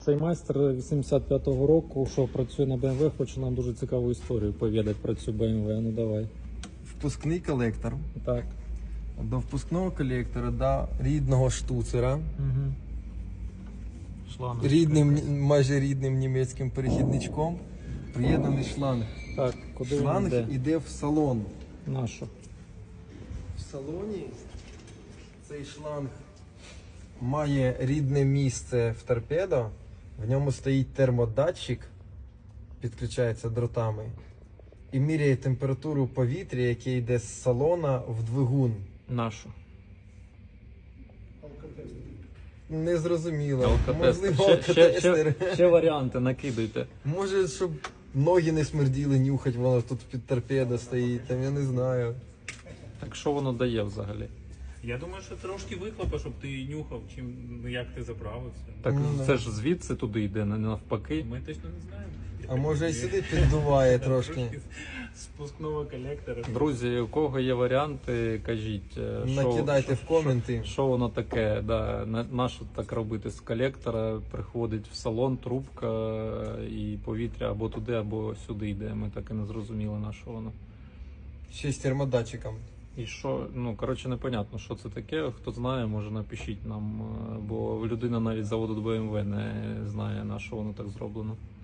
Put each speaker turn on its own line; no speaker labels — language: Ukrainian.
Цей майстер 85-го року, що працює на BMW, хоче нам дуже цікаву історію повідати про цю BMW. Ну давай.
Впускний колектор.
Так.
До впускного колектора, до рідного штуцера,
Угу. Шланг.
майже рідним німецьким перехідничком, приєднаний шланг.
Так, куди він
Шланг
йде?
іде в салон.
Нашу.
В салоні цей шланг має рідне місце в торпедо, в ньому стоїть термодатчик, підключається дротами, і міряє температуру повітря, яке йде з салона в двигун.
Нашу.
Незрозуміло. Можливо,
Ще, ще варіанти накидайте.
Може, щоб ноги не смерділи, нюхать, воно тут під торпедо стоїть, там я не знаю.
Так що воно дає взагалі?
Я думаю, що трошки вихлопа, щоб ти нюхав, чим, ну, як ти заправився.
Так
Ну,
це ж звідси туди йде, не навпаки.
Ми точно не знаємо.
А може і сюди піддуває трошки.
Спускного колектора.
Друзі, у кого є варіанти, кажіть.
Накидайте в коменти.
Що воно таке? Да, нащо так робити з колектора? Приходить в салон, трубка і повітря або туди, або сюди йде. Ми так і не зрозуміли, на що воно.
Ще з термодатчиком.
І що, ну коротше, непонятно, що це таке. Хто знає, може напишіть нам, бо людина навіть з заводу BMW не знає, на що воно так зроблено.